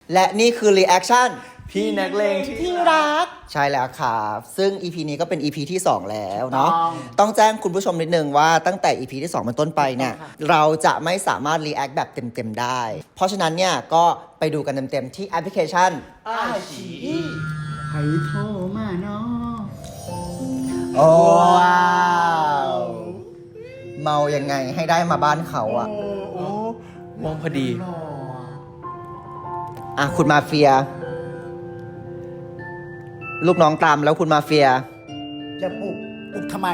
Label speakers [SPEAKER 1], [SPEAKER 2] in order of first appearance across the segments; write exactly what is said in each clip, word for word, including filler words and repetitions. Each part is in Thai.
[SPEAKER 1] และนี่คือ reaction
[SPEAKER 2] พี่นักเลงที่รัก
[SPEAKER 1] ใช่แล้วครับซึ่ง อี พี นี้ก็เป็น อี พี ที่ สอง แล้วเนาะต้องแจ้งคุณผู้ชมนิดนึงว่าตั้งแต่ อี พี ที่ สอง เป็นต้นไปเนี่ยเราจะไม่สามารถ react แบบเต็มๆได้ เพราะฉะนั้นเนี่ยก็ไปดูกันเต็มๆที่แอปพลิเคชัน
[SPEAKER 2] อาชีใครโทรมาเนาะ
[SPEAKER 1] โอ้ว้าวเมายังไงให้ได้มาบ้านเขาอะ
[SPEAKER 2] โอ้
[SPEAKER 3] มองพอดี
[SPEAKER 1] อ่ะคุณมาเฟีย ลูกน้องตามแล้วคุณมาเฟีย
[SPEAKER 2] จะปลุกปลุกทำไม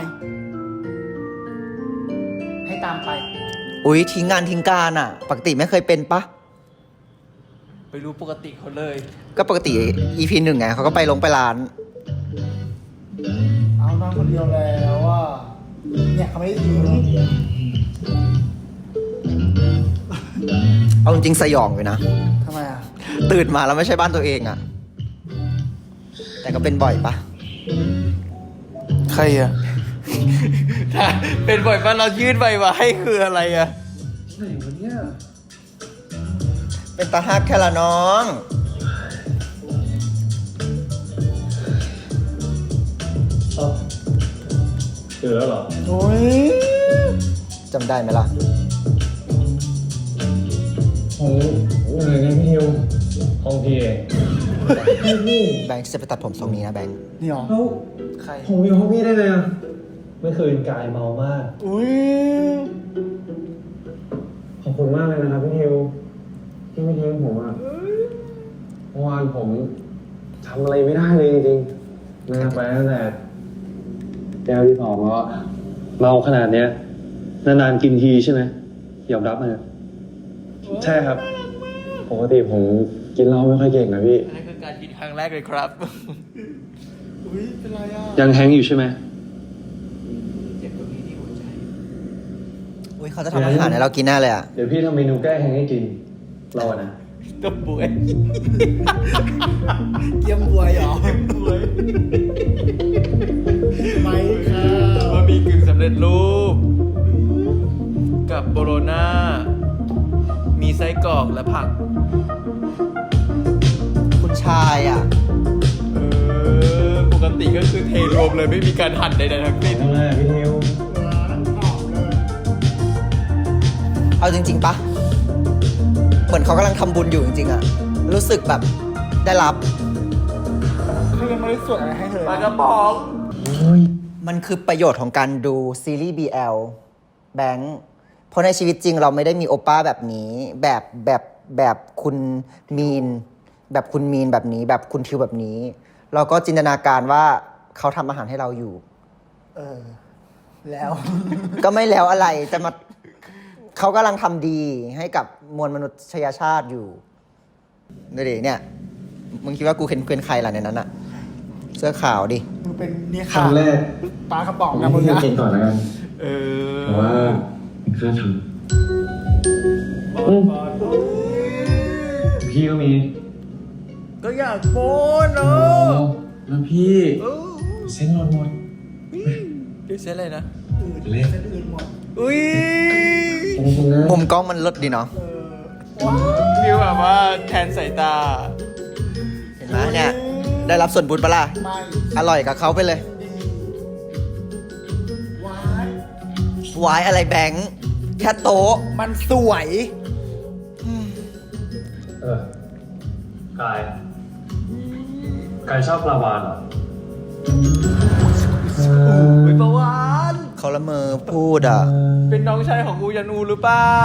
[SPEAKER 2] ให้ตามไป
[SPEAKER 1] อุ๊ยทิ้งงานทิ้งการอะปกติไม่เคยเป็นปะ
[SPEAKER 3] ไปรู้ปกติเขาเลย
[SPEAKER 1] ก็ปกติ อี พี หนึ่งไงเขาก็ไปลงไปร้าน
[SPEAKER 2] เอานอนคนเดียวแล้วอ่ะเนี่ยเขาไม่ได้ทิ้ง
[SPEAKER 1] เอาจริงๆสยองเลยนะ
[SPEAKER 2] ทำไมอ่ะ
[SPEAKER 1] ตื่นมาแล้วไม่ใช่บ้านตัวเองอะแต่ก็เป็นบ่อยปะ
[SPEAKER 3] ใครอะ ถ้าเป็นบ่อยปะเรายื่นใบมาให้คืออะไรอะ
[SPEAKER 2] ไหนวะเนี่ย
[SPEAKER 1] เป็นตาฮักแค่ละน้อง
[SPEAKER 4] เจอแล้วเหรอ
[SPEAKER 2] โอ้ย
[SPEAKER 1] จำได้ไหมล่ะ
[SPEAKER 4] ผมอะไรนะพี่ทิวห้องพี่เอง
[SPEAKER 1] แบงค์จะไปตัดผมทรงนี้นะแบงค์
[SPEAKER 2] นี่หรอ
[SPEAKER 4] แล้ว
[SPEAKER 3] ใคร
[SPEAKER 4] ผมอยู่ห้องพี่ได้เลยอ่ะเมื่อคืนกายเมามาก
[SPEAKER 2] อุ้ย
[SPEAKER 4] ขอบคุณมากเลยนะครับพี่ทิวที่ไม่ทิ้งผมอ่ะเมื่อวานผมทำอะไรไม่ได้เลยจริงๆนะครับไปตั้งแต่แก้วที่สองแล้วอะเมาขนาดเนี้ยนานๆกินทีใช่ไหมยอมรับนะใช่ครับปกติผมกินเหล้าไม่ค่อยเก่งนะพี่
[SPEAKER 3] อันนั้นคือการกินครั้งแรกเลยครับ
[SPEAKER 2] อุ้ยเป็นไรอ่ะ
[SPEAKER 4] ยังแฮงก์อยู่ใช่ไหม
[SPEAKER 3] เจ็บตรงนี้ที่หัวใจ
[SPEAKER 1] อุ้ยเขาจะทำอาหารให้เรากินแน่เลยอะ
[SPEAKER 4] เดี๋ยวพี่ทำเมนูแก้แฮงก์ให้กินเราอะนะ
[SPEAKER 3] ก็ป่วย
[SPEAKER 2] เยี่ยมบวยเหรอป่วยไม่ค่ะ
[SPEAKER 3] บะหมี่กึ่งสำเร็จรูป กับโบโลน่า มีไส้กรอกและผัก
[SPEAKER 1] คุณชายอะ
[SPEAKER 3] เออ ปกติก็คือเทรวมเลยไม่มีการหั่นใดๆทั้งสิ้น
[SPEAKER 4] ทำไมอะพี่ทิว
[SPEAKER 2] หวานหอมเลย
[SPEAKER 1] เอาจริง ๆปะเหมือนเขากำลังทำบุญอยู่จริงๆอะรู้สึกแบบได้รับ
[SPEAKER 2] เขายังไม่ได้สวดอะไรให้เธอ
[SPEAKER 3] ปลากระป๋อง
[SPEAKER 1] มันคือประโยชน์ของการดูซีรีส์ บี แอล แบงค์เพราะในชีวิตจริงเราไม่ได้มีโอป้าแบบนี้ แบบแบบแบบคุณมีน แบบคุณมีนแบบนี้ แบบคุณทิวแบบนี้ เราก็จินตนาการว่าเขาทำอาหารให้เราอยู่
[SPEAKER 2] เออ แล้ว
[SPEAKER 1] ก็ไม่แล้วอะไรแต่มาเขากำลังทำดีให้กับมวลมนุษยชาติอยู่ดูดิเนี่ย มึงคิดว่ากูเป็นเป็นใครล่ะในนั้นอะเสื้อขาวดิ
[SPEAKER 2] มึงเป็นเนี่ย
[SPEAKER 4] ค
[SPEAKER 2] ค่ะ
[SPEAKER 4] รั้งแรก
[SPEAKER 2] ปลากระป๋อง
[SPEAKER 4] ผม
[SPEAKER 2] นะมึง
[SPEAKER 4] ให้
[SPEAKER 2] นะ
[SPEAKER 4] พี่กินก่อนแล้วกัน
[SPEAKER 3] เออ
[SPEAKER 4] เพราะว่าค่าท
[SPEAKER 3] บอลบอล
[SPEAKER 4] ำพี่ก็มี
[SPEAKER 3] ก็อยากโป้นเน
[SPEAKER 4] โอ้
[SPEAKER 3] อะ
[SPEAKER 4] แล้วพี่
[SPEAKER 3] เออ
[SPEAKER 4] เส้นรอนหมด
[SPEAKER 3] เดี๋ยวเส้นอะไรนะ
[SPEAKER 4] เละ
[SPEAKER 2] เส้นอื่นหมด
[SPEAKER 3] อุ้ย
[SPEAKER 4] ขอบคุณนะ
[SPEAKER 1] มุมกล้องมันลดดีเนาะ
[SPEAKER 2] เออว้าว
[SPEAKER 3] ฟิลแบบว่าแทนสายตา
[SPEAKER 1] เห็นไหมเนี่ย ได้รับส่วนบุญปะล่ะ
[SPEAKER 2] ไม่
[SPEAKER 1] อร่อยกับเขาไปเลย
[SPEAKER 2] หวาน
[SPEAKER 1] วายอะไรแบงค์แค่โต๊ะ
[SPEAKER 2] มันสวย
[SPEAKER 4] เออ กาย กายชอบปลาวานเหรอ
[SPEAKER 3] อุ้ยประวาน
[SPEAKER 1] เขาละเมอพูดอ่ะ
[SPEAKER 3] เป็นน้องชายของกูยันูหรือเปล่า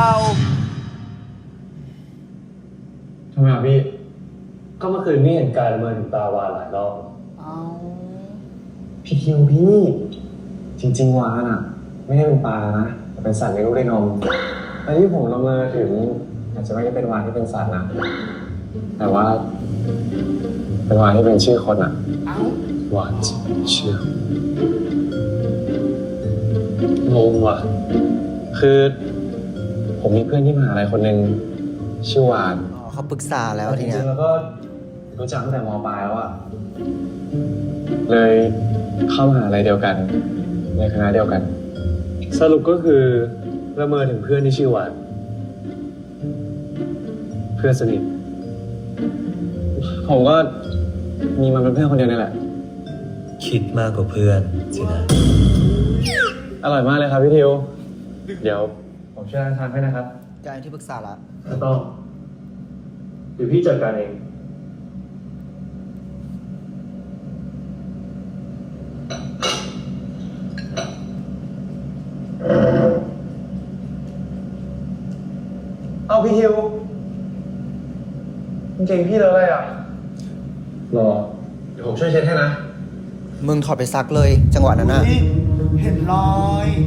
[SPEAKER 4] ทำไมอ่ะพี่ ก็เมื่อคืนพี่เห็นกายละเมินถึงปลาวานหลายรอบ
[SPEAKER 2] เอา
[SPEAKER 4] พี่ทิวพี่ จริงๆวานอ่ะ ไม่ได้เป็นปลานะแต่เป็นสัตว์เลี้ยงลูกด้วยนมแต่ที่ผมละเมอถึงอาจจะไม่ได้เป็นวานที่เป็นสัตว์นะ แต่ว่า เป็นวานที่เป็นชื่อคนอ่ะ
[SPEAKER 2] เอา
[SPEAKER 4] วานที่เป็นชื่อ งงว่ะ คือ ผมมีเพื่อนที่มหาลัยคนหนึ่งชื่อวาน
[SPEAKER 1] อ๋อเขาปรึกษาแล้วที
[SPEAKER 4] จ
[SPEAKER 1] เนี้
[SPEAKER 4] ริ
[SPEAKER 1] ย
[SPEAKER 4] งๆแล้วก็รู้จักตั้งแต่มปลายแล้วอะเลยเข้ามหาลัยเดียวกัน ในคณะเดียวกัน สรุปก็คือละเมอถึงเพื่อนที่ชื่อวานเพื่อนสนิทผมก็มีมันเป็นเพื่อนคนเดียวนี่แหละ
[SPEAKER 5] คิดมากกว่าเพื่อนสินะ
[SPEAKER 4] อร่อยมากเลยครับพี่ทิว เดี๋ยวผมช่วยทานให้นะครับ
[SPEAKER 1] กลายเป็นที่ปรึกษาละ
[SPEAKER 4] ไม่ต้องเดี๋ยวพี่จัดการเอง เอาพี่ทิวกางเก่งพี่เลยอะไรอ่ะ รอ เดี๋ยวผมช่วยเช็ดให้นะ
[SPEAKER 1] มึงถอดไปซักเลย จังหวะนั้นน่ะ
[SPEAKER 2] อุ๊ยเห็นรอย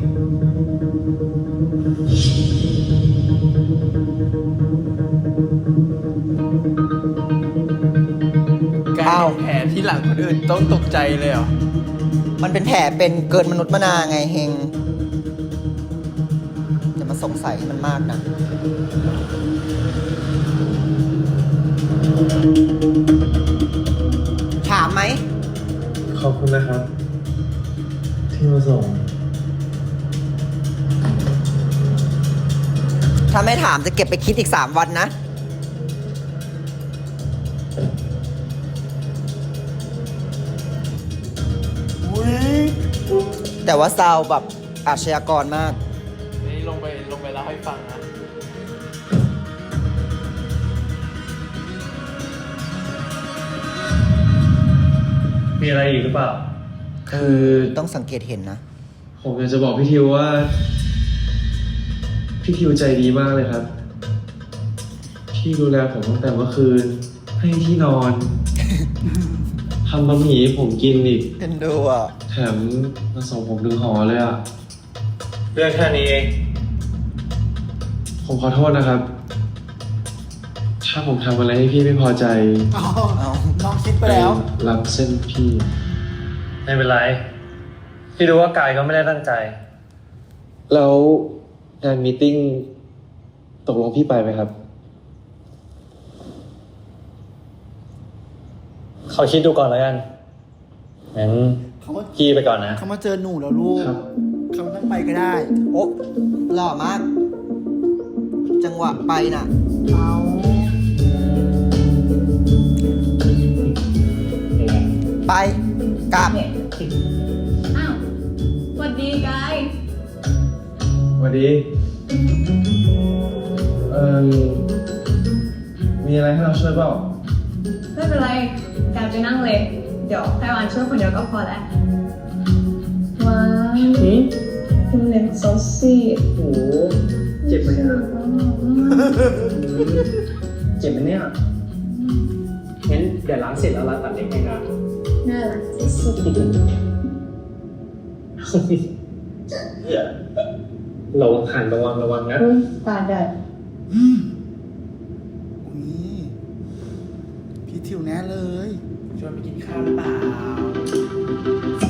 [SPEAKER 3] การ
[SPEAKER 1] อ้าว
[SPEAKER 3] เป็นแผลที่หลังคนอื่นต้องตกใจเลยเหรอ
[SPEAKER 1] มันเป็นแผลเป็นเกินมนุษย์มนาไงเฮงจะมาสงสัยให้มันมากนะถามไหม
[SPEAKER 4] ขอบคุณนะครับ ที่มาส่ง
[SPEAKER 1] ถ้าไม่ถามจะเก็บไปคิดอีกสามวันนะ
[SPEAKER 2] อุ้ย
[SPEAKER 1] แต่ว่าซาวแบบอาชญากรมาก
[SPEAKER 3] นี่ลงไปลงไปเล่าให้ฟังนะ
[SPEAKER 4] มีอะไรอีกหรือเปล่า คือ
[SPEAKER 1] ต้องสังเกตเห็นนะ
[SPEAKER 4] ผมอยากจะบอกพี่ทิวว่า พี่ทิวใจดีมากเลยครับ พี่ดูแลผมตั้งแต่เมื่อคืน ให้ที่นอน ทำบะหมี่ให้ผมกินอีก
[SPEAKER 1] เอ็นดูอ่ะ
[SPEAKER 4] แถมมาส่งผมถึงหอเลยอ่ะ เรื่องแค่นี้เอง ผมขอโทษนะครับ ถ้าผมทำอะไรให้พี่ไม่พอใจ
[SPEAKER 2] เอา
[SPEAKER 1] เอา
[SPEAKER 2] น้องคิดไปแล้ว
[SPEAKER 4] รับเส้นพี่
[SPEAKER 5] ไม่เป็นไร พี่รู้ว่ากายก็ไม่ได้ตั้งใจ
[SPEAKER 4] แล้วงานมีตติ้งตกลงพี่ไปไหมครับ
[SPEAKER 5] เขาคิดดูก่อนแล้วกัน งั้น
[SPEAKER 2] เขามา
[SPEAKER 5] พี่ไปก่อนนะ
[SPEAKER 2] เขามาเจอหนูแล้วลูก
[SPEAKER 4] ครับ
[SPEAKER 2] เขาไม่ต้องไปก็ได้
[SPEAKER 1] โอ้หล่อมาก จังหวะไปน่ะ
[SPEAKER 2] เอา
[SPEAKER 1] ไปกลับ
[SPEAKER 6] อ้าวสวัสดีกาย
[SPEAKER 4] สวัสดี เอ่อมีอะไรให้เราช่วยเปล่า
[SPEAKER 6] ไม่เป็นไรกายไปนั่งเลย เดี๋ยวไต้หวันช่วยคนเดียวก็พอแล้ว ว้าวคุณเล็กซอสซี่
[SPEAKER 5] โอ้เจ็บไหมเนี่ยเจ็บไหมเนี่ยงั้นเดี๋ยวล้างเสร็จแล้วเราตัดเล็กให้นะ
[SPEAKER 6] น่ารักที่สุด
[SPEAKER 5] ระวังหันระวังระวังนะ
[SPEAKER 6] ตาแดด
[SPEAKER 2] อุ้ยพี่ทิวแน่เลย
[SPEAKER 3] ชวนไปกินข้าวหรือเปล่า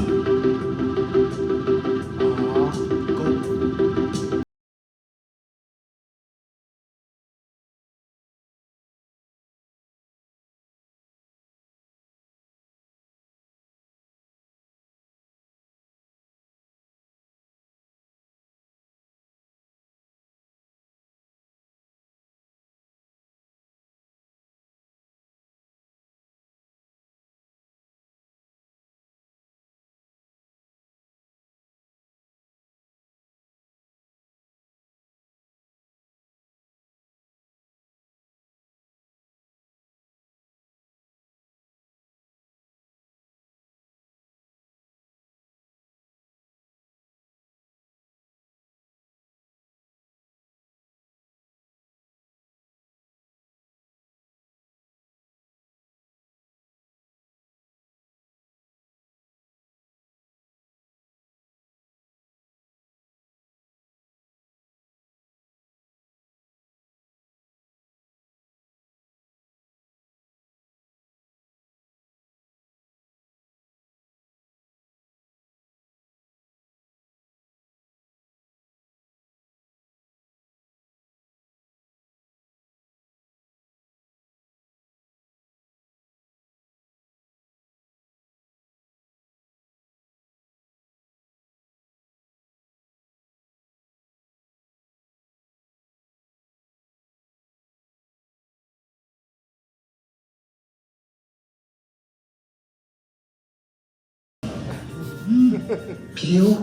[SPEAKER 4] พี่ทิว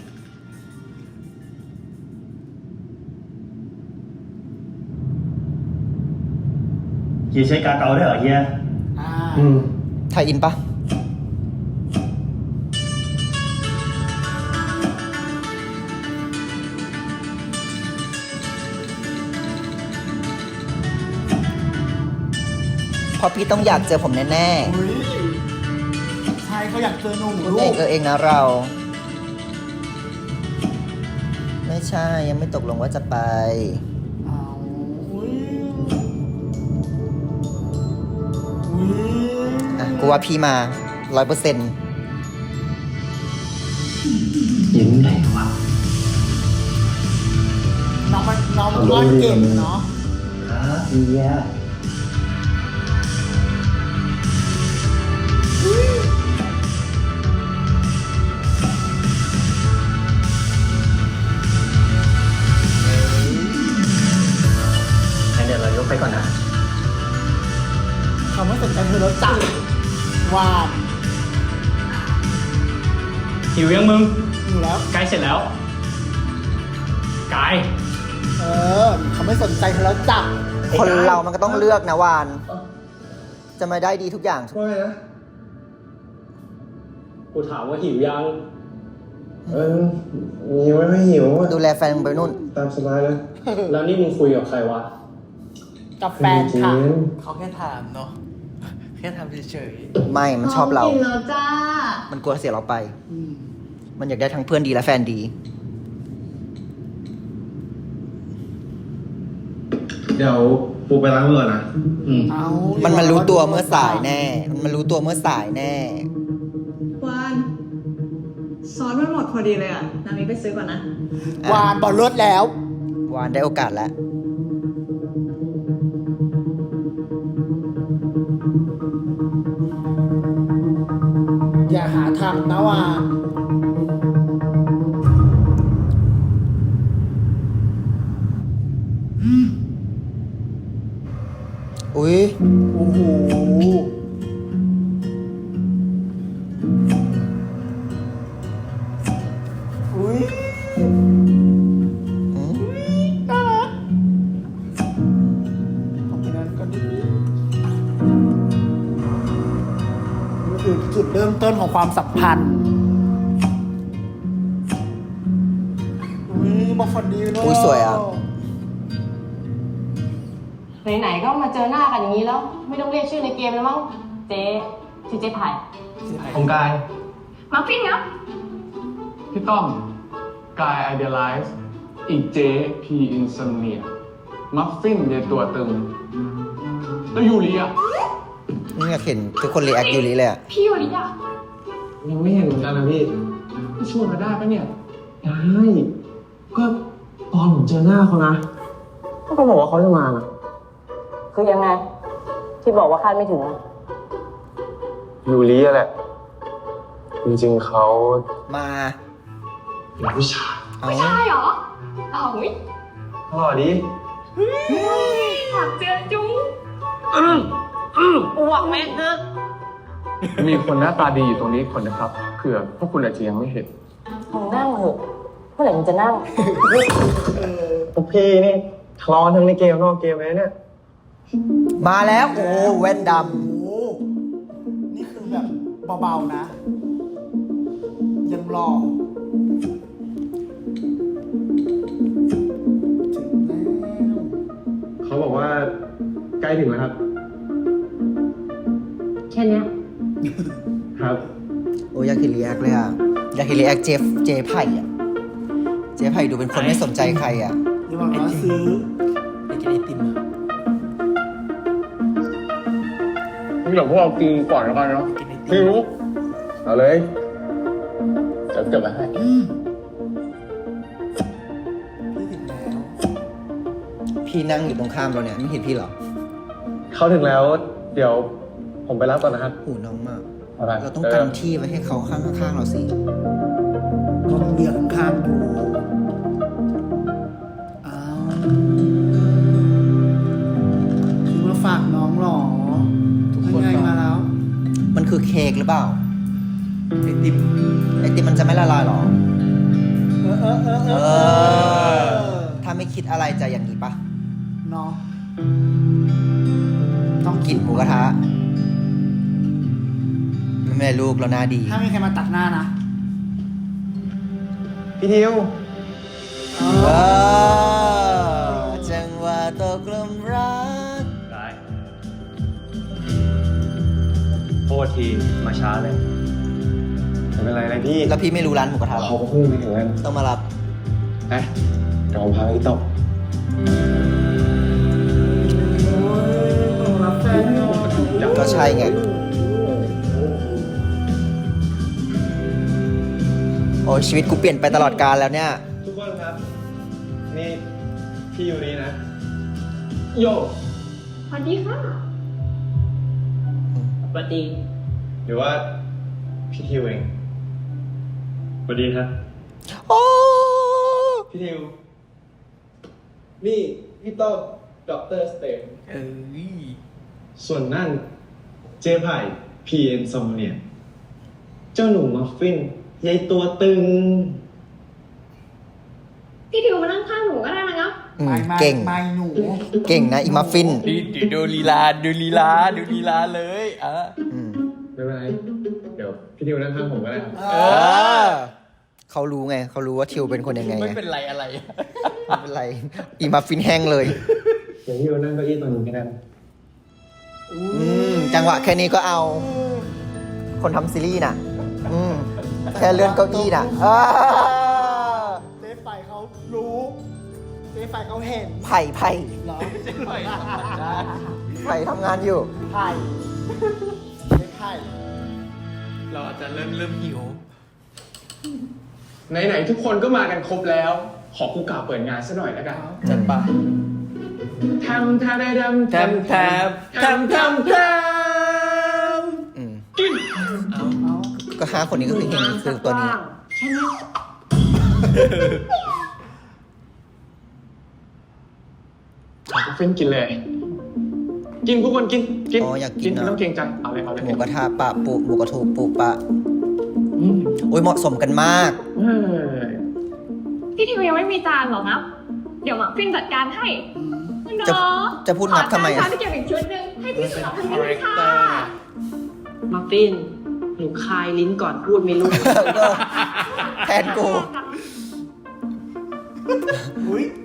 [SPEAKER 7] เฮียใช้กาเกาได้เหรอเฮีย
[SPEAKER 2] อ่า
[SPEAKER 4] อืม
[SPEAKER 1] ไทยอินปะเพราะพี่ต้องอยากเจอผมแน่
[SPEAKER 2] อุ้ยใช่เขาอยากเจอหนู
[SPEAKER 1] ๆคุณ
[SPEAKER 2] ลู
[SPEAKER 1] เอง
[SPEAKER 2] ก
[SPEAKER 1] เออเองนะเรา ไม่ใช่ยังไม่ตกลงว่าจะไป
[SPEAKER 2] เอาอุ้ยอุ้ย
[SPEAKER 1] อ่ะ กูว่าพี่มาร้อยเปอร์เซ็นต์
[SPEAKER 5] ยิ้มไหนวะ
[SPEAKER 2] น้องมันน้องมันร้อนเก่งเนาะ
[SPEAKER 7] ครับเฮียงั้นเดี๋ยวเรายกไปก่อนนะ
[SPEAKER 2] เขาไม่สนใจเธอแล้วจับวาน
[SPEAKER 5] หิวยังมึง
[SPEAKER 2] อยู่แล้ว
[SPEAKER 5] ใกล้เสร็จแล้ว กาย
[SPEAKER 2] เออเขาไม่สนใจเธอแล้วจับ
[SPEAKER 1] คนเรามันก็ต้องเลือกนะวาน จะมาได้ดีทุกอย่าง
[SPEAKER 4] ว่าไงนะ
[SPEAKER 5] กูถามว่าหิวยัง
[SPEAKER 4] เออหิวไม่หิวอะ
[SPEAKER 1] ดูแลแฟนมึงไปนู่น
[SPEAKER 4] ตามสบายเลย
[SPEAKER 5] แล้วนี่มึงคุยกับใครวะ
[SPEAKER 2] กับแฟนค่ะ
[SPEAKER 4] เฮ้ย
[SPEAKER 3] เขาแค่ถามเนาะ แค่ทำเฉย
[SPEAKER 1] ไม่ มันชอบเรา
[SPEAKER 6] กินแล้วจ้า
[SPEAKER 1] มันกลัวเสียเราไป
[SPEAKER 2] อืม
[SPEAKER 1] มันอยากได้ทั้งเพื่อนดีและแฟนดี
[SPEAKER 4] เดี๋ยวปูไปล้างมือนะ
[SPEAKER 5] อืม
[SPEAKER 2] เอา
[SPEAKER 1] มันมันรู้ตัวเมื่อสายแน่ มันมันรู้ตัวเมื่อสายแน่
[SPEAKER 6] วานซอสมันหมดพอดีเลยอ่ะ นามิไปซื้อก่อนนะ
[SPEAKER 2] วานบอลลดแล้ว
[SPEAKER 1] วานได้โอกาสแล้ว
[SPEAKER 2] อย่าหาทำนะวาน
[SPEAKER 1] อุ้ย
[SPEAKER 2] โอ้โหอุ้ย
[SPEAKER 1] อืม
[SPEAKER 2] น่ารักของพี่นั้นก็ดีนี่คือจุดเริ่มต้นของความสัมพันธ์อุ้ยบอกฝันดีเนอะ
[SPEAKER 1] อุ้ยสวยอ่ะ
[SPEAKER 8] ไหนๆก็มาเจอหน้ากันอย่างนี้แล้ว ไม่ต้องเรียกชื่อในเกมแล้วมั้งเจ๊ชื่อเจ๊ไผ่
[SPEAKER 5] ของกาย
[SPEAKER 6] มาฟินครับ
[SPEAKER 9] พี่ต้อมกายไอเดียไลซ์อีกเจพีอิน o มเนียมัฟฟินเดตัวตึง แล้วยูริอ่ะ
[SPEAKER 1] นี่อยากเห็นทุกคนรีแอคยูริเลยอ่ะ
[SPEAKER 6] พี่ยูริอ่ะ
[SPEAKER 4] ยังไม่เห็นเหมือนกันนะพี่
[SPEAKER 9] พี่ชวนมาได้ปะเนี่ย
[SPEAKER 4] ได้ก็ตอนผมเจอหน้าเขานะก็เขาบอกว่าเขาจะมานะ
[SPEAKER 8] คือยังไง ที่บอกว่าคาดไม่ถึงอะ
[SPEAKER 4] ยูริอะแหละ จริงๆเขา
[SPEAKER 1] มา
[SPEAKER 4] เป็นผู้ชาย
[SPEAKER 1] เอา
[SPEAKER 6] ใช่เหรออ้าวอุ๊ย
[SPEAKER 4] หล่อดี
[SPEAKER 6] อยากเจอจุ๊ง
[SPEAKER 8] อ้วกแม่คือ
[SPEAKER 9] มีคนหน้าตาดีอยู่ตรงนี้คนนะครับเผื่อพวกคุณอาจจะยังไม่เห็น
[SPEAKER 8] มึงนั่งเหอะเมื่อไหร่มึงจะนั่ง
[SPEAKER 4] พวกพี่นี่ทะเลาะทั้งในเกมนอกเกมเลยเนี่ย
[SPEAKER 1] มาแล้ว โอ้แว่นด
[SPEAKER 2] โอ้โหนี่คือแบบเบาๆนะ ยังรอถึงแล้ว
[SPEAKER 4] เขาบอกว่าใกล้ถึงแล้วครับ
[SPEAKER 8] แค่เนี้ย
[SPEAKER 4] ครับ
[SPEAKER 1] ำโอ้อยากเห็นรีแอคเลยอ่ะ อยากเห็นรีแอคเจฟเจไผ่อ่ะ เจไผ่ดูเป็นคนไม่สนใจใครอ่ะ
[SPEAKER 2] อย่าบอกว่าซื้อ
[SPEAKER 3] ๆไปกินไอติมอะ
[SPEAKER 9] เดี๋ยวพวกเรากินก่อนแล้วกันเนาะ
[SPEAKER 3] กินไอติ
[SPEAKER 9] พี่
[SPEAKER 3] ม
[SPEAKER 9] รู้
[SPEAKER 4] เอาเลย
[SPEAKER 9] จะเก็บไว้ให้
[SPEAKER 2] พี่ถึงแล้ว
[SPEAKER 1] พี่นั่งอยู่ตรงข้ามเราเนี่ย ไม่เห็นพี่เหรอ
[SPEAKER 4] เขาถึงแล้ว เดี๋ยวผมไปรับก่อนนะครับ
[SPEAKER 1] หูน้องมาก
[SPEAKER 4] อะไร
[SPEAKER 1] เราต้องกันที่ไว้ให้เขาข้างๆเราสิ
[SPEAKER 2] ก็เบียร์ข้างๆอยู่อ้าวคือมาฝากน้องเหรอ
[SPEAKER 3] ทุกคน
[SPEAKER 2] ยังไง
[SPEAKER 3] เนาะ
[SPEAKER 2] มาแล้ว
[SPEAKER 1] มันคือเค้กหรือเปล่า
[SPEAKER 3] ไอติม
[SPEAKER 1] ไอติมมันจะไม่ละลายหรอ
[SPEAKER 2] เออเออเออเอ
[SPEAKER 1] เอ
[SPEAKER 2] อ
[SPEAKER 1] อ ถ้าไม่คิดอะไรจะอย่างนี้ปะ
[SPEAKER 2] เนาะ
[SPEAKER 1] ต้องกินหมูกระทะไม่เป็นไรลูกเราหน้าดี
[SPEAKER 2] ถ้ามีใครมาตัดหน้านะ
[SPEAKER 4] พี่ทิว
[SPEAKER 1] เออจังหวะตกลมรัก
[SPEAKER 7] ได้โทษทีมาช้าเลย
[SPEAKER 4] ไม่เป็นไรเลยพี่
[SPEAKER 1] แล้วพี่ไม่รู้ร้านหมูกระทะหรอ
[SPEAKER 4] เขาก็เพิ่งไปถึงแล้ว
[SPEAKER 1] ต้องมารับ
[SPEAKER 4] ไปเดี๋ยวผมพาไปที่โต๊ะ
[SPEAKER 2] รับแฟนอยู่
[SPEAKER 1] ก็ใช่ไง โอ้ยชีวิตกูเปลี่ยนไปตลอดกาลแล้วเนี่ย
[SPEAKER 4] ทุกคนครับ นี่พี่ยูรีนะ
[SPEAKER 5] โย
[SPEAKER 6] สวัสดีค่ะ
[SPEAKER 5] ปฏิ
[SPEAKER 4] หรือว่าพี่ทิวเอง
[SPEAKER 7] สวัสดีครับ
[SPEAKER 1] โอ้
[SPEAKER 4] พี่ทิว นี่พี่โต๊ะด็อกเตอร์สเตม
[SPEAKER 3] เอ้ย
[SPEAKER 4] ส่วนนั่นเจ๊ไผ่พีเอ็นซอมเนี่ย เจ้าหนูมัฟฟินยายตัวตึง
[SPEAKER 6] พี่ทิวมานั่งข้างหนูก็ได้นะครับ
[SPEAKER 1] อืม
[SPEAKER 2] ไม่ไม่
[SPEAKER 1] เก่ง
[SPEAKER 2] ไม่หนู
[SPEAKER 1] เก่งนะอีมัฟฟิน
[SPEAKER 3] ดีดูลีลาดูลีลาดูลีลาเลยอ่ะ
[SPEAKER 1] อืม
[SPEAKER 4] ไม่เป็นไร เดี๋ยวพี่ทิวนั่งข้างผมก็ได้ครับ
[SPEAKER 2] เอ
[SPEAKER 1] เอ
[SPEAKER 2] อ
[SPEAKER 1] อ เขารู้ไง เขารู้ว่าทิวเป็นคนยังไง
[SPEAKER 3] ไม่
[SPEAKER 1] ไง
[SPEAKER 3] เป็นไรอะไร
[SPEAKER 1] ไม่เป็นไร อีมัฟฟินแห้งเลย
[SPEAKER 4] เดี๋ยวพี่ทิวนั่งเก้าอี้ตัวนี้ก็ได้
[SPEAKER 1] อืม จังหวะแค่นี้ก็เอา คนทำซีรีส์น่ะ อืม แค่เลื่อนเก้าอี้น่ะอ่า
[SPEAKER 2] เจ๊ไฟเขารู้ เจ๊ไฟเขาเห็น
[SPEAKER 1] ไผ่ไผ่
[SPEAKER 2] เหรอ
[SPEAKER 3] ไผ่ธรรมดา
[SPEAKER 1] ไผ่ทำงานอยู่
[SPEAKER 2] ไผ่เจ๊ไผ่
[SPEAKER 3] เราอาจจะเริ่มเริ่มหิว
[SPEAKER 9] ไหนๆทุกคนก็มากันครบแล้ว ขอกูกล่าวเปิดงานซะหน่อยแล้วกัน
[SPEAKER 3] จัดไป
[SPEAKER 9] ทำทำได้ดำ
[SPEAKER 3] แทมแทมแทมแทมแทม
[SPEAKER 1] อืม
[SPEAKER 9] กิน
[SPEAKER 3] เอา
[SPEAKER 1] ก็ห้าคนนี้ก็คือเฮงคือตัวนี้
[SPEAKER 8] ใช่ไหม
[SPEAKER 9] เฟ้นกินเลย กินทุกคนกิน กิน
[SPEAKER 1] อ๋ออยากกิน
[SPEAKER 9] ไม่
[SPEAKER 1] อะ
[SPEAKER 9] ต้องเกรงใจ เอาเลยเอาเลย
[SPEAKER 1] หมูกระทะปะปุหมูกระทูปุปะ
[SPEAKER 9] อืม
[SPEAKER 1] โอ้ยเหมาะสมกันมาก
[SPEAKER 9] เออ
[SPEAKER 6] พี่ทิวยังไม่มีจานหรอครับ เดี๋ยวหมักฟินจัดการให้คุณ
[SPEAKER 1] จะ
[SPEAKER 6] เนาะ
[SPEAKER 1] จะพูดนับทำไม
[SPEAKER 6] ขอ
[SPEAKER 1] อะ
[SPEAKER 6] จานชามที่เก็บอีกชุดหนึ่งให้พี่สุนัขทำ
[SPEAKER 3] คา
[SPEAKER 6] ให้
[SPEAKER 3] แร
[SPEAKER 6] ด้วย
[SPEAKER 3] ค
[SPEAKER 6] ค่ะ
[SPEAKER 3] เตอร์
[SPEAKER 8] มัฟฟินหนูคายลิ้นก่อนพูดไม่รู้
[SPEAKER 1] เออแทนกู
[SPEAKER 2] อุ้ย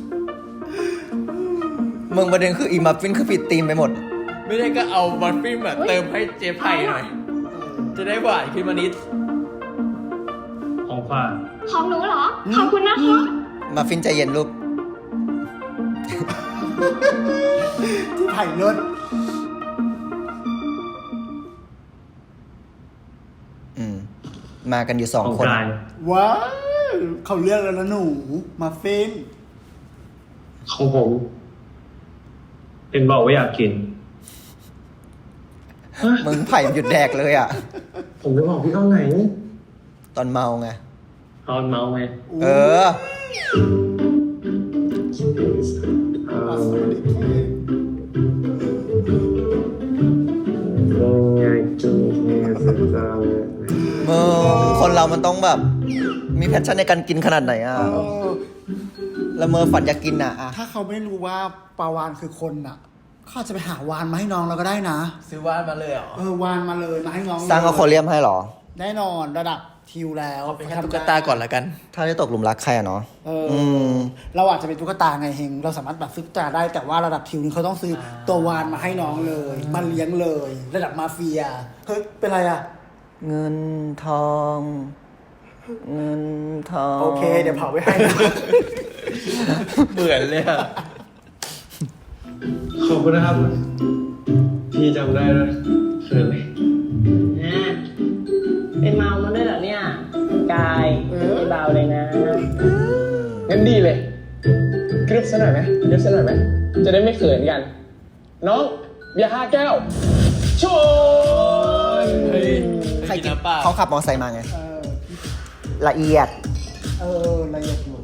[SPEAKER 1] มึงประเด็นคืออีมัฟฟินคือผิดธีมไปหมด
[SPEAKER 3] ไม่ได้ก็เอาบัฟฟินแบบเติมให้เจ๊ไผ่หน่อย จะได้หวานขึ้นมานิด
[SPEAKER 7] ของฝาก
[SPEAKER 6] ของหนูเหรอ ขอบคุณนะคะ
[SPEAKER 1] มัฟฟินใจเย็นลูก
[SPEAKER 2] เจ๊ไผ่เลิศ
[SPEAKER 1] อืม มากันอยู่สอง
[SPEAKER 7] ของ
[SPEAKER 1] คน
[SPEAKER 7] กาย
[SPEAKER 2] ว้าวเขาเลือกแล้วนะหนู มาฟิน
[SPEAKER 7] ของผม เป็นบอกว่าอยากกิน
[SPEAKER 1] มึงไผ่หยุดแดกเลยอ่ะ
[SPEAKER 4] ผมจะบอกพี่เข้าไหน
[SPEAKER 1] ตอนเมาไง
[SPEAKER 7] ตอนเมาไง
[SPEAKER 1] เออ มึง คนเรามันต้องแบบ มีแพชชั่นในการกินขนาดไหนอ่ะ
[SPEAKER 2] เออ
[SPEAKER 1] แล้วเมอฝันอยากกินอ่ะอ่ะ
[SPEAKER 2] ถ้าเขาไม่รู้ว่าปลาวานคือคนอ่ะ เขาอาจจะไปหาวานมาให้น้องเราก็ได้นะ
[SPEAKER 3] ซื้อว่านมาเลยเหรอ
[SPEAKER 2] เออวานมาเลยมาให้น้อง
[SPEAKER 1] สร้างอควาเรียมให้เหรอ
[SPEAKER 2] แน่นอนระดับทิวแล้ว
[SPEAKER 3] เอาเป็นแค่ตุ๊กตาก่อนละกัน
[SPEAKER 1] ถ้าได้ตกหลุมรักใครอ่ะเนาะ
[SPEAKER 2] เอออ
[SPEAKER 1] อืม
[SPEAKER 2] เราอาจจะเป็นตุ๊กตาไงเฮงเราสามารถแบบซื้อตุ๊กตาได้แต่ว่าระดับทิวนี่เขาต้องซื้อตัววานมาให้น้องเลยมาเลี้ยงเลย ระดับมาเฟียเฮ้ยเป็นไรอ่ะ
[SPEAKER 1] เงินทอง เงินทอง
[SPEAKER 2] โอเค เดี๋ยวเผาไว้ให้นะ
[SPEAKER 3] เหมือนเลยอะ
[SPEAKER 4] ขอบคุณนะครับ พี่จำได้ด้วยเขินเลย
[SPEAKER 8] อ่ะไปเมามาด้วยเหรอเนี่ยคุณกายไม่เบาเลยนะ
[SPEAKER 9] งั้นดีเลย กรึบซะหน่อยไหมกรึบซะหน่อยไหม จะได้ไม่เขินกัน น้องเบียร์ห้าแก้วชน
[SPEAKER 3] เฮ้ย
[SPEAKER 1] ใคร
[SPEAKER 3] กิน
[SPEAKER 1] กิน
[SPEAKER 3] น้ำเปล่า
[SPEAKER 1] เขาขับมอไซค์มาไง
[SPEAKER 2] เออ
[SPEAKER 1] ละเอียด
[SPEAKER 2] เออละเอียดอยู่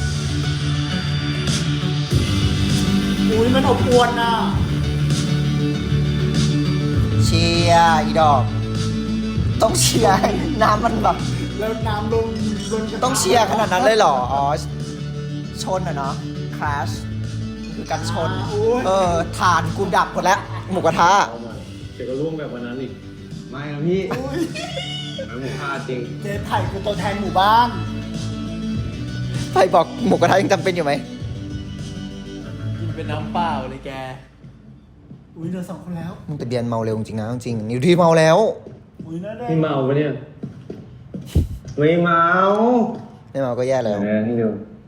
[SPEAKER 2] อุ้ยมันอบอวลน่ะ
[SPEAKER 1] เชียร์อีดอก ต้องเชียร์ให้น้ำมันแบบ
[SPEAKER 2] แล้วน้ำลงลงกระทะ
[SPEAKER 1] ต้องเชียร์ขนาดนั้นเลยเหรอ อ๋อ ชนอะเนาะ crash คือการชน เออฐานกูดับหมดแล้ว หมูกระทะ
[SPEAKER 7] เอามาเดี๋ยวก็ร่วงแบบวันนั้นอีก ไม่นะพี่ไอ้หมูพลาดจริง
[SPEAKER 2] เจ๊ไผ่คือตัวแทนหมู่บ้าน
[SPEAKER 1] ไฟบอกหมูกระทะยังจำเป็นอยู่ไหม
[SPEAKER 3] กินเป็นน้ำเปล่าเลยแก
[SPEAKER 2] อุ้ยเหลือสองคนแล้ว
[SPEAKER 1] มึงแต่เบียนเมาเร็วจริงๆนะจริงๆนิวที่เมาแล้ว
[SPEAKER 2] อุ้ยน่าได้
[SPEAKER 7] พี่เมาปะเนี่ย ไม่เมา
[SPEAKER 1] ไม่เมาก็แย่แล้ว
[SPEAKER 7] แหมให้ดู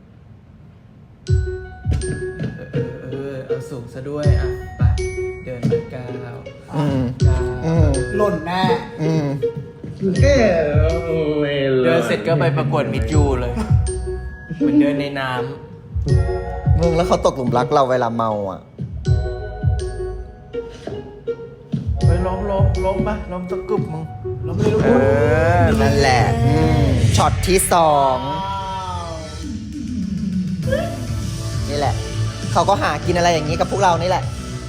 [SPEAKER 3] เออเออเอาสูงซะด้วยอ่ะไปเดินไปก้าว
[SPEAKER 1] อืม
[SPEAKER 3] ก้าว
[SPEAKER 1] อืม
[SPEAKER 2] หล่นแน่
[SPEAKER 1] อืม
[SPEAKER 7] เอ๊ะไม่
[SPEAKER 3] เดินเสร็จก็ไปประกวดมิดยูเลยเหมือนเดินในน้
[SPEAKER 1] มึงแล้วเขาตกหลุมรักเราเวลาเมาอ่ะ
[SPEAKER 3] ำไปล้มล้มล้มปะล้มตะกรุบมึง
[SPEAKER 2] เราไม่ได้รู้
[SPEAKER 1] เออ นั่นแหละ อืมช็อตที่สอง นี่แหละ เขาก็หากินอะไรอย่างนี้กับพวกเรานี่แหละ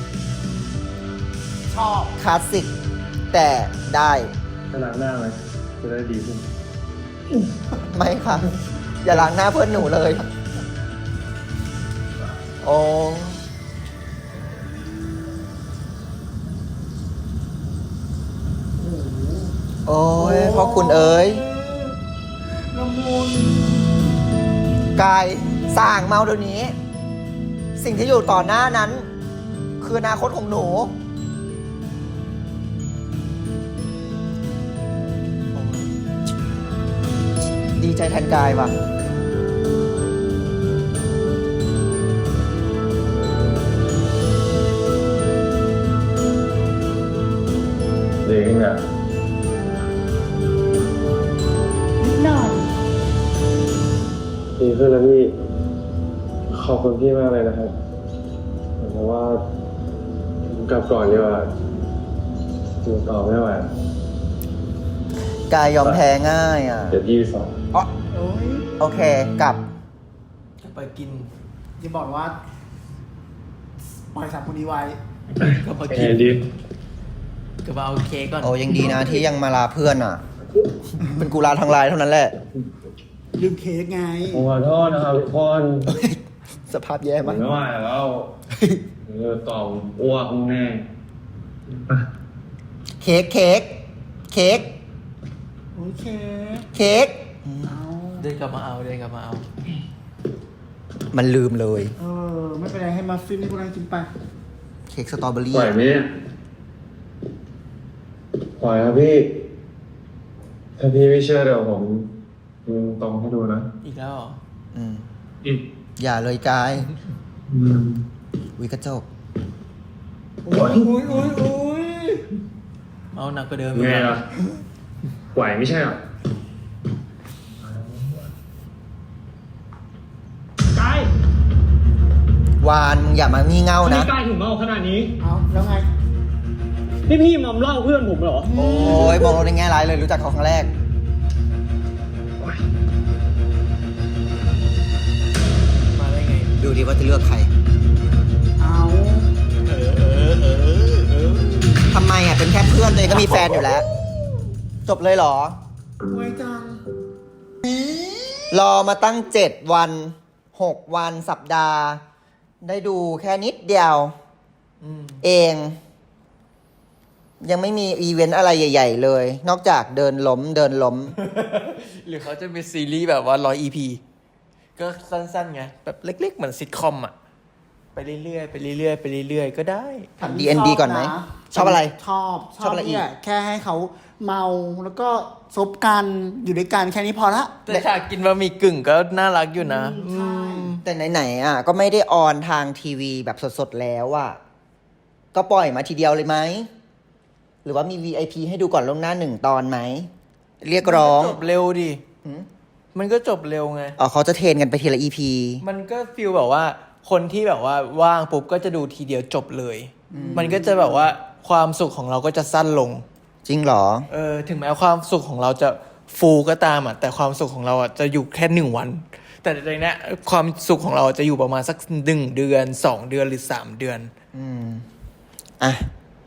[SPEAKER 2] ชอบ
[SPEAKER 1] คลาสสิก แต่ได้
[SPEAKER 7] จะล้างหน้าไหมจะได้ดีขึ้น
[SPEAKER 1] ไม่ค่ะ อย่าล้างหน้าเพื่อนหนูเลย โอ้โอ้ยพ่อคุณเอ๋ย
[SPEAKER 2] ละมุน
[SPEAKER 1] กายสร้างเมาเดี๋ยวนี้ สิ่งที่อยู่ต่อหน้านั้น คืออนาคตของหนูดีใจแทนกายว่ะ
[SPEAKER 7] ดีขึ้นอ่ะ
[SPEAKER 6] นิดหน่อย
[SPEAKER 4] ดีขึ้นแล้วพี่ ขอบคุณพี่มากเลยนะครับเพราะว่าผมกลับก่อนดีกว่าอยู่ต่อไม่ไหว
[SPEAKER 1] กายยอมแพ้ง่ายอ่ะ
[SPEAKER 4] เดี๋ยวพี่สอน
[SPEAKER 1] อ๋อ
[SPEAKER 2] โอ้ย
[SPEAKER 1] โอเค กลับ
[SPEAKER 3] จะไปกิน
[SPEAKER 2] อย่าบอกว่า ปล่อยสามคนนี้ไว้
[SPEAKER 3] ก็มา
[SPEAKER 7] แอ
[SPEAKER 3] กิน
[SPEAKER 7] ร์ดี
[SPEAKER 3] ก็มาเอาเค้กก่อน
[SPEAKER 1] โอ้ยังดีนะที่ยังมาลาเพื่อนอ่ะ เป็นกูลาทางไลน์เท่านั้นแหละ
[SPEAKER 2] ลืมเค้กไง
[SPEAKER 4] ผมขอโทษนะครับทุกคน
[SPEAKER 1] สภาพแย่
[SPEAKER 4] ผม
[SPEAKER 1] มาก
[SPEAKER 4] ไม่ไหวแล้วเออต่อมอ้วกแน่
[SPEAKER 1] เค้กเค้กเค้ก
[SPEAKER 2] โอเค
[SPEAKER 1] เค้ก
[SPEAKER 2] เอา
[SPEAKER 3] เดินกลับมาเอาเดินกลับมาเอา
[SPEAKER 1] มันลืมเลย
[SPEAKER 2] เออ ไม่เป็นไรให้มาฟิล์มนี่พวกนั้นกินไป
[SPEAKER 1] เค้กสตรอเบอรี่
[SPEAKER 4] ไหวไหมเนี่ยไหวครับพี่ ถ้าพี่ไม่เชื่อเดี๋ยวผมยิงตรงให้ดูนะ
[SPEAKER 3] อีกแล้วเหรอ
[SPEAKER 1] อืม
[SPEAKER 7] อืม
[SPEAKER 1] อย่าเลยกาย
[SPEAKER 4] อืม
[SPEAKER 1] วิกระจก
[SPEAKER 2] โอ้ยอุ้ยอุ้ยอุ้ย
[SPEAKER 3] เอาหนักกว่าเดิม
[SPEAKER 7] ไงล่ะไหวไม่ใช่เหรอ
[SPEAKER 5] กายว
[SPEAKER 1] านมึงอย่ามางี่เง่า
[SPEAKER 5] ทำไม
[SPEAKER 1] นะ
[SPEAKER 5] กายถึงเมาขนาดนี้
[SPEAKER 2] เอาแล้วไง
[SPEAKER 5] นี่พี่มอมเหล่าเพื่อนผมเหรอ
[SPEAKER 1] โอ้ยมองเราในแง่ร้ายเลยรู้จักเขาครั้งแรก
[SPEAKER 3] มาได้ไง
[SPEAKER 1] ดูดิว่าจะเลือกใคร
[SPEAKER 2] เอา
[SPEAKER 3] เออเออเออเออ
[SPEAKER 1] ทำไมอ่ะ เป็นแค่เพื่อนตัวเองก็มีแฟนอยู่แล้ว จบเลยเหรอ
[SPEAKER 2] ไว้จัง
[SPEAKER 1] รอมาตั้งเจ็ดวันหกวันสัปดาห์ ได้ดูแค่นิดเดียว
[SPEAKER 3] อืม
[SPEAKER 1] เอง ยังไม่มีอีเวนต์อะไรใหญ่ ๆ เลย นอกจากเดินล้มเดินล้ม
[SPEAKER 3] หรือเขาจะมีซีรีส์แบบว่าร้อย อี พี ก็สั้นๆไง แบบเล็กๆ เหมือนซิทคอมอ่ะ ไปเรื่อยๆ ไปเรื่อยๆ ไปเรื่อยๆ ก็ได้
[SPEAKER 1] ทำ ดี เอ็น ดี ก่อนไหมชอบอะไร
[SPEAKER 2] ชอบ
[SPEAKER 1] ชอบอะไรอีก
[SPEAKER 2] เนี่ยแค่ให้เขาเมาแล้วก็ซบกันอยู่ด้วยกันแค่นี้พอละ
[SPEAKER 3] แต่ฉากกินบะหมี่กึ่งก็น่ารักอยู่นะ
[SPEAKER 2] ใช่
[SPEAKER 1] แต่ไหนๆอ่ะ ก็ไม่ได้ออนทางทีวีแบบสดๆแล้วอ่ะ ก็ปล่อยมาทีเดียวเลยไหม หรือว่ามี วี ไอ พี ให้ดูก่อนล่วงหน้าหนึ่งตอนไหม เรียกร้อง
[SPEAKER 3] จบเร็วดิ
[SPEAKER 1] หืม
[SPEAKER 3] มันก็จบเร็วไง
[SPEAKER 1] อ๋อเขาจะเทรนกันไปทีละ อี พี
[SPEAKER 3] มันก็ฟีลแบบว่า คนที่แบบว่าว่างปุ๊บก็จะดูทีเดียวจบเลย มันก็จะแบบว่าความสุขของเราก็จะสั้นลง
[SPEAKER 1] จริงเหรอ
[SPEAKER 3] เออ ถึงแม้ความสุขของเราจะฟูก็ตามอ่ะ แต่ความสุขของเราอ่ะจะอยู่แค่หนึ่งวัน แต่ในเนี้ยความสุขของเราจะอยู่ประมาณสักหนึ่งเดือนสองเดือนหรือสามเดือน
[SPEAKER 1] อืม อ่ะ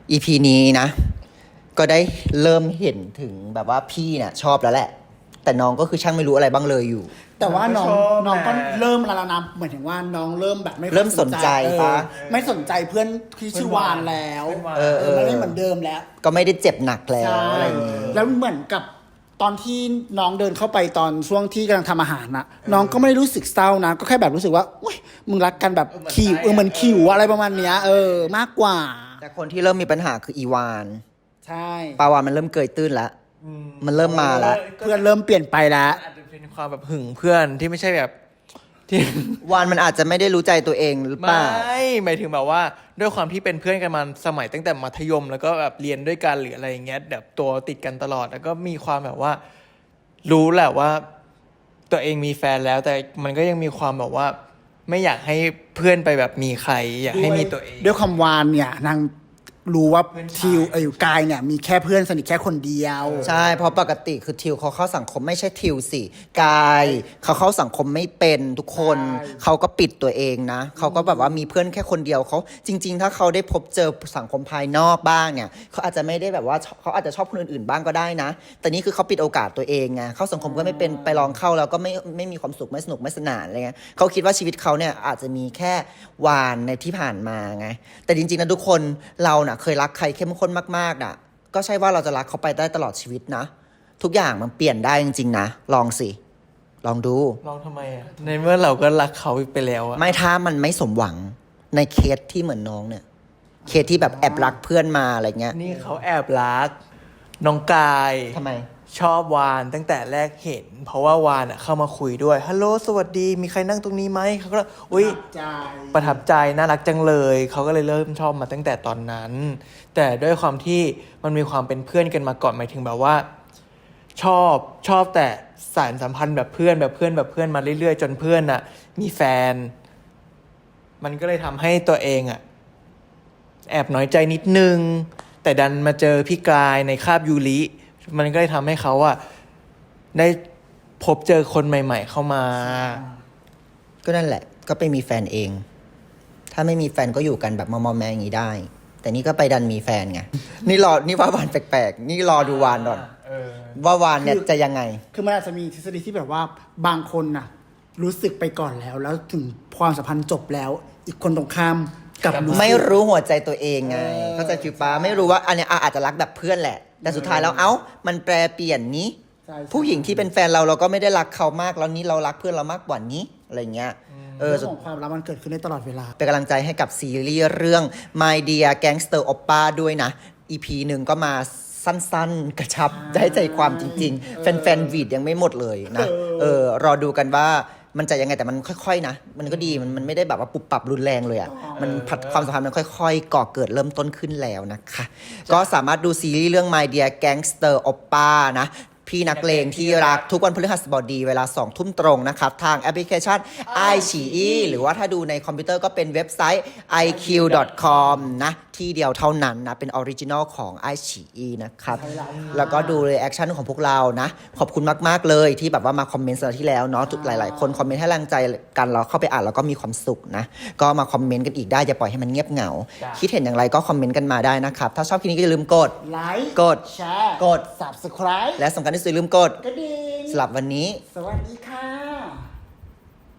[SPEAKER 1] อี พี นี้นะ ก็ได้เริ่มเห็นถึงแบบว่าพี่เนี่ยชอบแล้วแหละ แต่น้องก็คือช่างไม่รู้อะไรบ้างเลยอยู่
[SPEAKER 2] แต่ว่าน้อง
[SPEAKER 3] ชอบ
[SPEAKER 2] น้องก็
[SPEAKER 3] แหละ
[SPEAKER 2] เริ่มแล้วนะเหมือนถึงว่าน้องเริ่มแบบไม่ค่อย
[SPEAKER 1] เริ่มสนใจ
[SPEAKER 2] เออ
[SPEAKER 1] ปะ
[SPEAKER 2] ไม่สนใจเพื่อนที่ชื่อวานแล้ว
[SPEAKER 1] เออ
[SPEAKER 2] เออมันไม่เหมือนเดิมแล้ว
[SPEAKER 1] ก็ไม่ได้เจ็บหนักแล้ว
[SPEAKER 2] ใช่
[SPEAKER 1] อะไรอย่างงี้
[SPEAKER 2] แล้วเหมือนกับตอนที่น้องเดินเข้าไปตอนช่วงที่กำลังทำอาหารนะน้องก็ไม่ได้รู้สึกเศร้านะ ก็แค่แบบรู้สึกว่าอุ้ยมึงรักกันแบบคิวเออเหมือนคิวอะไรประมาณเนี้ยเออมากกว่า
[SPEAKER 1] แต่คนที่เริ่มมีปัญหาคืออีวาน
[SPEAKER 2] ใช่
[SPEAKER 1] ปาวานมันเริ่มเกยตื้นแล้ว มันเริ่มมาแล้ว
[SPEAKER 2] เพื่อนเริ่มเปลี่ยนไปแล้ว
[SPEAKER 3] อาจจะเป็นความแบบหึงเพื่อนที่ไม่ใช่แบบที่
[SPEAKER 1] วานมันอาจจะไม่ได้รู้ใจตัวเองหรือเป
[SPEAKER 3] ไม่
[SPEAKER 1] ล่า
[SPEAKER 3] หมายถึงแบบว่าด้วยความที่เป็นเพื่อนกันมาสมัยตั้งแต่มัธยม แล้วก็แบบเรียนด้วยกันหรืออะไรอย่างเงี้ยแบบตัวติดกันตลอด แล้วก็มีความแบบว่า รู้แหละว่า ตัวเองมีแฟนแล้ว แต่มันก็ยังมีความแบบว่า ไม่อยากให้เพื่อนไปแบบมีใคร อยากให้มีตัวเอง
[SPEAKER 2] ด้วยความวานเนี่ยนางรู้ว่า
[SPEAKER 3] เพื่อนชาย
[SPEAKER 2] ทิวเออกายเนี่ยมีแค่เพื่อนสนิทแค่คนเดียว
[SPEAKER 1] ใช่ เพราะปกติคือทิวเขาเข้าสังคมไม่ใช่ทิวสิกายเขาเข้าสังคมไม่เป็นทุกคน
[SPEAKER 2] ใช่
[SPEAKER 1] เขาก็ปิดตัวเองนะเขาก็แบบว่ามีเพื่อนแค่คนเดียวเขาจริง ๆ ถ้าเขาได้พบเจอสังคมภายนอกบ้างเนี่ยเขาอาจจะไม่ได้แบบว่าเขาอาจจะชอบคนอื่นๆบ้างก็ได้นะ แต่นี่คือเขาปิดโอกาสตัวเองไงเข้าสังคมก็ไม่เป็นไปลองเข้าแล้วก็ไม่ไม่มีความสุขไม่สนุกไม่สนานอะไรเงี้ยเขาคิดว่าชีวิตเขาเนี่ยอาจจะมีแค่วานในที่ผ่านมาไงแต่จริงๆนะทุกคนเราน่ะเคยรักใครเข้มข้นมากๆน่ะก็ใช่ว่าเราจะรักเขาไปได้ตลอดชีวิตนะ ทุกอย่างมันเปลี่ยนได้จริงๆนะลองสิลองดู
[SPEAKER 3] ลองทำไมอ่ะ ในเมื่อเราก็รักเขาไปแล้วอะ
[SPEAKER 1] ไม่ถ้ามันไม่สมหวังในเคสที่เหมือนน้องเนี่ยเคสที่แบบแอบรักเพื่อนมาอะไรเงี้ย
[SPEAKER 3] นี่เขาแอบรัก น้องกาย
[SPEAKER 1] ทำไม
[SPEAKER 3] ชอบวานตั้งแต่แรกเห็น เพราะว่าวานอ่ะเข้ามาคุยด้วยฮัลโหลสวัสดีมีใครนั่งตรงนี้ไหมเขาก็อุ้ย
[SPEAKER 2] ใจ
[SPEAKER 3] ประทับใจน่ารักจังเลยเขาก็เลยเริ่มชอบมาตั้งแต่ตอนนั้น แต่ด้วยความที่มันมีความเป็นเพื่อนกันมาก่อนหมายถึงแบบว่า ชอบชอบแต่สารสัมพันธ์แบบเพื่อนแบบเพื่อนแบบเพื่อนมาเรื่อยๆ จนเพื่อนอ่ะ มีแฟน มันก็เลยทำให้ตัวเองอ่ะ แอบน้อยใจนิดนึง แต่ดันมาเจอพี่กายในคาบยูริมันก็เลยทำให้เขาอะได้พบเจอคนใหม่ ๆ เข้ามา
[SPEAKER 1] ก็นั่นแหละ ก็ไปมีแฟนเอง ถ้าไม่มีแฟนก็อยู่กันแบบมอมๆแมๆอย่างนี้ได้ แต่นี่ก็ไปดันมีแฟนไง นี่รอ นี่ว่าวานแปลกๆ นี่รอดูวานก่อน ว่าวานเนี่ยจะยังไง
[SPEAKER 2] คือมันอาจจะมีทฤษฎีที่แบบว่าบางคนน่ะ รู้สึกไปก่อนแล้ว แล้วถึงความสัมพันธ์จบแล้ว อีกคนตรงข้ามกลับรู้สึก
[SPEAKER 1] ไม่รู้หัวใจตัวเองไง เข้าใจฟิวป้าไม่รู้ว่าอันเนี้ยอาจจะรักแบบเพื่อนแหละ แต่สุดท้ายแล้วเอ้า มันแปรเปลี่ยนนี้
[SPEAKER 2] ใช่ใช่
[SPEAKER 1] ผู้หญิงที่เป็นแฟนเราเราก็ไม่ได้รักเขามากแล้วนี้เรารักเพื่อนเรามากกว่านี้อะไรเงี้ยเออ
[SPEAKER 2] เรื่องของความรักมันเกิดขึ้นได้ตลอดเวลา
[SPEAKER 1] เป็นกำลังใจให้กับซีรีส์เรื่อง My Dear Gangster Oppa ด้วยนะ อี พี หนึ่งก็มาสั้นๆ กระชับได้ใจความจริงๆ แฟนๆวีดยังไม่หมดเลยนะ เออ รอดูกันว่ามันจะยังไงแต่มันค่อยๆนะ มันก็ดีมันมันไม่ได้แบบว่าปุบปับรุนแรงเลยอ่ะ มันพัดความสัมพันธ์มันค่อยๆ ก่อเกิดเริ่มต้นขึ้นแล้วนะคะ ก็สามารถดูซีรีส์เรื่อง My Dear Gangster Oppa นะ พี่นักเลงที่รักทุกวันพฤหัสบดีเวลาสองทุ่มตรงนะครับ ทางแอปพลิเคชัน ไอ ซี อี หรือว่าถ้าดูในคอมพิวเตอร์ก็เป็นเว็บไซต์ ไอ คิว ดอท คอม นะ ที่เดียวเท่านั้นนะ เป็นออริจินอลของ ไอ ซี อี นะครับ แล้วก็ดูรีแอคชั่นของพวกเรานะ ขอบคุณมาก ๆ เลยที่แบบว่ามาคอมเมนต์สัปดาห์ที่แล้วเนาะทุกหลาย ๆ คนคอมเมนต์ให้แรงใจกันเราเข้าไปอ่านแล้วก็มีความสุขนะ ก็มาคอมเมนต์กันอีกได้อย่าปล่อยให้มันเงียบเหงา คิดเห็นอย่างไรก็คอมเมนต์กันมาได้นะครับถ้าชอบคลิปนี้ก็อย่าลืมกด
[SPEAKER 2] ไลค์
[SPEAKER 1] กด
[SPEAKER 2] แชร์
[SPEAKER 1] กด
[SPEAKER 2] subscribe
[SPEAKER 1] และสำคัญที่สุดอย่าลืมกด
[SPEAKER 2] กระดิ่ง
[SPEAKER 1] สำหรับวันนี้
[SPEAKER 2] สวัสดีค่ะ